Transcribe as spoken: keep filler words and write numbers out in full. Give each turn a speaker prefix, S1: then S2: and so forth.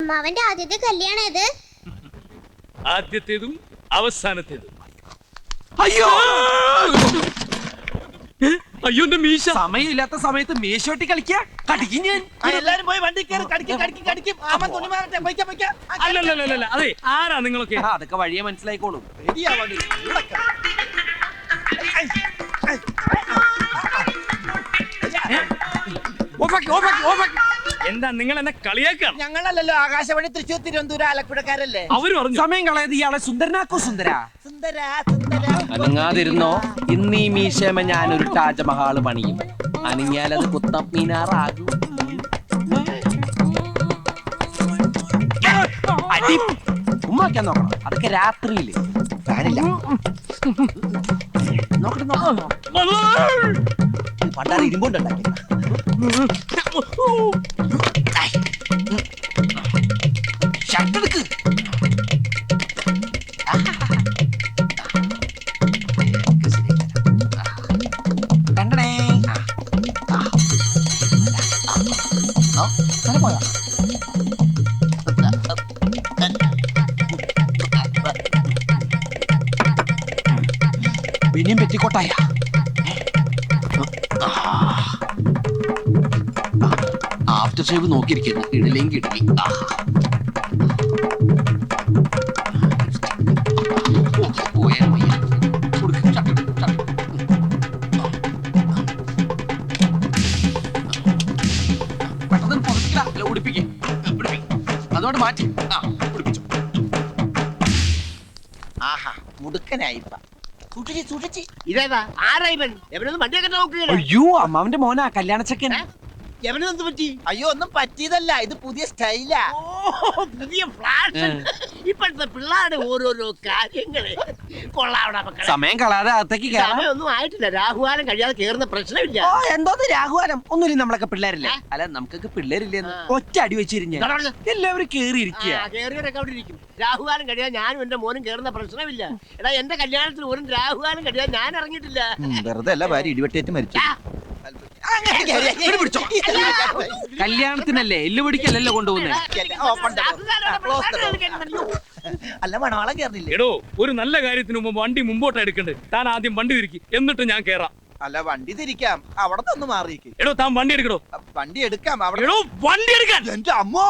S1: അമ്മാവന്റെ ആദ്യത്തെ കല്യാണം ഇത്
S2: ആദ്യത്തേതും അവസാനത്തേതും.
S3: അയ്യോ
S2: അയ്യോ എന്റെ മീശ.
S3: സമയമില്ലാത്ത സമയത്ത് മീശോട്ടി കളിക്കാ കടിക്കും ഞാൻ.
S4: എല്ലാരും പോയി വണ്ടി കയറി കടിക്കും കടിക്കും കടിക്കും. അമ്മ തുണി മാറട്ടെ, പൊയ്ക്ക പൊയ്ക്ക.
S2: അല്ലല്ലല്ല അതെ, ആരാ നിങ്ങളൊക്കെ?
S3: ആ, അതൊക്കെ വഴിയെ മനസ്സിലായിക്കോളും.
S2: എന്താ നിങ്ങൾ എന്നെ കളിയാക്കാണ്?
S4: ഞങ്ങളല്ലല്ലോ ആകാശവാണി തൃശ്ശൂർ തിരുവനന്തപുരം ആലപ്പുഴക്കാരല്ലേ.
S2: അവര് പറഞ്ഞു
S3: സമയം കളയത് ഇയാളെ സുന്ദരനാക്കോ സുന്ദര.
S4: സുന്ദര സുന്ദര
S3: അനങ്ങാതിരുന്നോ, ഇന്ന് ഈ മീശമ ഞാനൊരു താജ്മഹാള് പണിയും. അനങ്ങിയാലത് കുത്തബ് മീനാറാകും. അടി ഉമ്മാക്കാൻ നോക്കണം, അതൊക്കെ രാത്രിയില്. ഫാനില്ല. നോക്കട്ടെ നോക്കണം. പണ്ടാറ് ഇരുമ്പുണ്ടാക്കി ഷർട്ടെടുക്ക്. കണ്ടടേ പോയാ പിന്നെയും പെറ്റിക്കോട്ടായ. After shave നോക്കിയിരിക്കുന്നു, ഇടലേം കിടലി. പെട്ടെന്ന് പുറത്തില്ല, ഉടുപ്പിക്കും അതോട് മാറ്റി. ആ ഉടുപ്പിച്ചു. ആഹാ മുടുക്കനായിപ്പ. സൂക്ഷിച്ച് സൂക്ഷിച്ച്.
S5: ഇതേതാ ആരാ ഇവൻ? എവനൊന്നും വണ്ടിയൊക്കെ നോക്കുകയാണ്.
S3: അയ്യോ അമ്മാവന്റെ മോനാ, കല്യാണച്ചക്കൻ.
S5: എവനെന്ത് പറ്റി?
S4: അയ്യോ ഒന്നും പറ്റിയതല്ല, ഇത് പുതിയ സ്റ്റൈലാ.
S5: ഓ പുതിയ ഫ്ലാഷൻ. ഇപ്പോഴത്തെ പിള്ളേരുടെ ഓരോരോ കാര്യങ്ങള് കൊള്ളാവണ മക്കളെ.
S3: സമയം കളയാതെ അകത്തേക്ക് കയറാം.
S5: സമയമൊന്നും ആയിട്ടില്ല, രാഹുകാലം കഴിയാതെ കേറുന്ന പ്രശ്നമില്ല.
S3: ഓ എന്തോന്ന് രാഘുവാനം, ഒന്നുമില്ല, നമ്മളൊക്കെ പിള്ളേരല്ലേ. അല്ല നമുക്കൊക്കെ പിള്ളേരില്ലെന്ന് ഒറ്റ അടി വെച്ചിരിഞ്ഞ എല്ലാവരും കേറിയിരിക്കുക.
S5: കേറിയവരൊക്കെ അവിടെ ഇരിക്കും. രാഹുകാലം കഴിയാൻ ഞാനും എന്റെ മോനും കേറുന്ന പ്രശ്നമില്ല. എടാ എന്റെ കല്യാണത്തിന് ഒരു രാഹുകാലം കഴിയാൻ ഞാൻ ഇറങ്ങിയിട്ടില്ല.
S4: വെറുതെ അല്ല, ഭാര്യ ഇടിവെട്ടേറ്റ് മരിച്ചു.
S3: കല്യാണത്തിനല്ലേ എല്ലു പിടിക്കല്ലല്ലോ കൊണ്ടുപോകുന്നേ.
S4: അല്ല മണവാളം കേറില്ലേ?
S2: എടോ, ഒരു നല്ല കാര്യത്തിന് മുമ്പ് വണ്ടി മുമ്പോട്ട് എടുക്കണ്ടേ? താൻ ആദ്യം വണ്ടി തിരിക്കി, എന്നിട്ട് ഞാൻ കേറാം.
S4: അല്ല വണ്ടി തിരിക്കാം, അവിടെ നിന്ന് മാറിയേക്ക്.
S2: എടോ താൻ വണ്ടി എടുക്കടോ.
S4: വണ്ടി എടുക്കാം അവിടെ.
S2: എടോ വണ്ടി എടുക്കാൻ.
S4: എന്റെ അമ്മോ